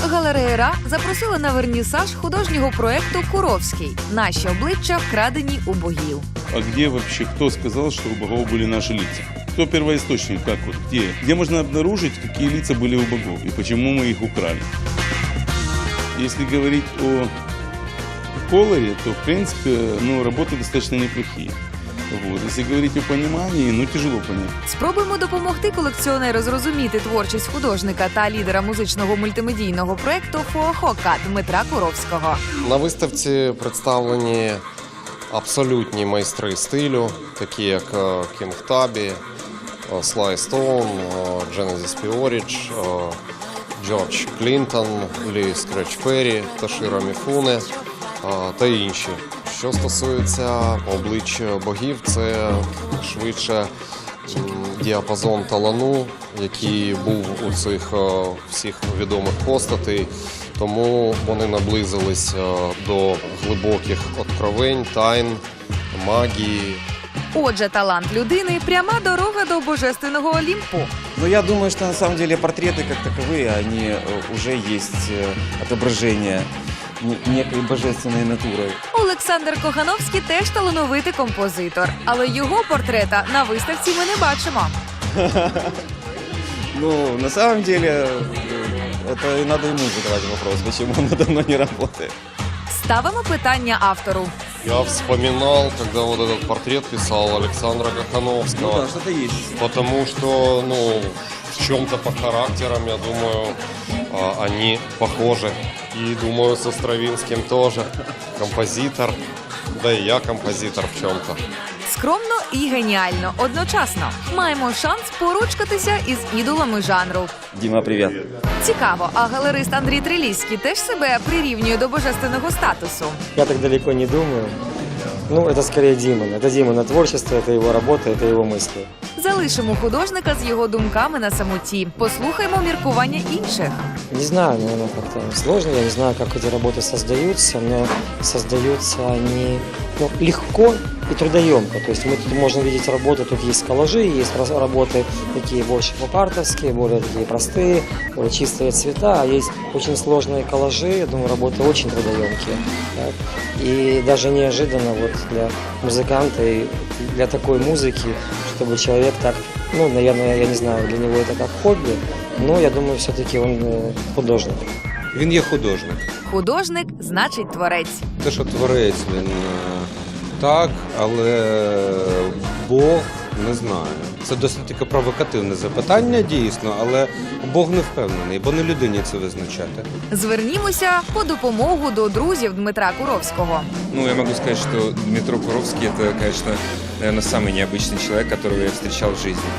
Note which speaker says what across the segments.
Speaker 1: Галерея «Ра» запросила на вернісаж художнього проєкту «Куровський. Наші обличчя вкрадені у богів».
Speaker 2: А где вообще, кто сказал, что у богов были наши лица? Кто первоисточник, как вот, где? Где можно обнаружить, какие лица были у богов и почему мы их украли? Если говорить о колоре, то, в принципе, работы достаточно неплохие. Вот. Если говорить о понимании, тяжело понять.
Speaker 1: Спробуємо допомогти колекціонеру зрозуміти творчість художника та лідера музичного мультимедійного проєкту «Фуахока» Дмитра Куровського.
Speaker 3: На виставці представлені абсолютні майстри стилю, такі як Кінг Табі, Слай Стоун, Дженезіс Піорідж, Джордж Клінтон, Лі Скретч Перрі, Ташіро Міфуне та інші. Що стосується облич богів, це швидше діапазон талану, який був у цих всіх відомих постатей, тому вони наблизились до глибоких откровень, тайн, магії.
Speaker 1: Отже, талант людини – пряма дорога до божественного Олімпу.
Speaker 4: Я думаю, что на самом деле портреты как таковые, они уже есть отображение некой божественной натуры.
Speaker 1: Олександр Кохановський теж талановитий композитор, але його портрета на виставці ми не бачимо.
Speaker 4: На самом деле, это и надо ему задавать вопрос, почему он давно не работает.
Speaker 1: Ставимо питання автору.
Speaker 3: Я вспоминал, когда вот этот портрет писал Александра Кохановского.
Speaker 4: Что-то есть.
Speaker 3: Потому что, в чем-то по характерам, я думаю, они похожи. И думаю, со Стравинским тоже. Композитор, да и я композитор в чем-то.
Speaker 1: Скромно і геніально одночасно. Маємо шанс поручкатися із ідолами жанру.
Speaker 4: Дима, привет.
Speaker 1: Цікаво, а галерист Андрій Триліський теж себе прирівнює до божественного статусу?
Speaker 5: Я так далеко не думаю. Это скорее Димон. Это Димона творчество, это его работа, это его мысли.
Speaker 1: Залишимо художника з його думками на самоті. Послухаймо міркування інших.
Speaker 5: Не знаю, наверное, как-то сложно. Я не знаю, как эти работы создаются, но создаются они легко и трудоемко. То есть мы тут можем видеть работы, тут есть коллажи, есть работы такие больше поп-артовские, более такие простые, чистые цвета, а есть очень сложные коллажи, я думаю, работы очень трудоемкие. Так? И даже неожиданно для музыканта и для такой музыки, чтобы человек так, наверное, я не знаю, для него это как хобби, но я думаю, все-таки он художник.
Speaker 6: Він є художник.
Speaker 1: Художник – значить творець.
Speaker 6: Те, що творець, він так, але Бог не знаю. Це досить таке провокативне запитання, дійсно, але Бог не впевнений, бо не людині це визначати.
Speaker 1: Звернімося по допомогу до друзів Дмитра Куровського.
Speaker 7: Я могу сказать, что Дмитро Куровский – это, конечно, наверное, самый необычный человек, которого я встречал в жизни.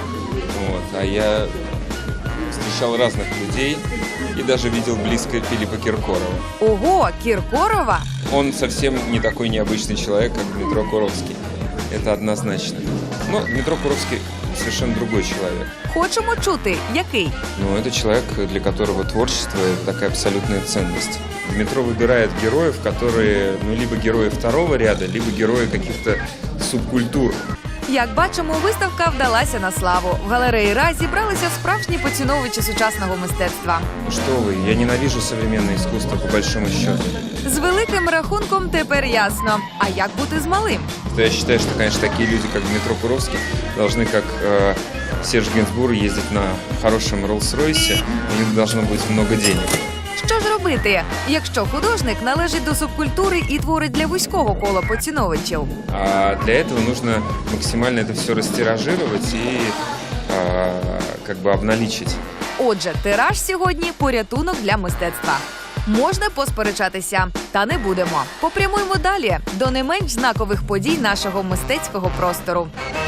Speaker 7: А я встречал разных людей и даже видел близко Филиппа Киркорова.
Speaker 1: Ого, Кіркорова?
Speaker 7: Он совсем не такой необычный человек, как Дмитро Куровский. Это однозначно. Но Дмитро Куровский совершенно другой человек.
Speaker 1: Хочемо чути, який?
Speaker 7: Это человек, для которого творчество – это такая абсолютная ценность. Дмитро выбирает героев, которые, либо герои второго ряда, либо герои каких-то субкультур.
Speaker 1: Як бачимо, виставка вдалася на славу. В галереї «Ра» зібралися справжні поціновувачі сучасного мистецтва.
Speaker 7: Что вы, я ненавижу современное искусство по большому счету.
Speaker 1: З великим рахунком тепер ясно. А як бути з малим?
Speaker 7: Я считаю, что, конечно, такие люди, как Дмитро Куровский, должны, как Серж Гинзбур, ездить на хорошем Роллс-Ройсе. У них должно быть много денег.
Speaker 1: Що ж робити, якщо художник належить до субкультури і творить для вузького кола поціновувачів?
Speaker 7: А для этого нужно максимально это все растиражировать и обналичить.
Speaker 1: Отже, тираж сьогодні – порятунок для мистецтва. Можна посперечатися, та не будемо. Попрямуємо далі до не менш знакових подій нашого мистецького простору.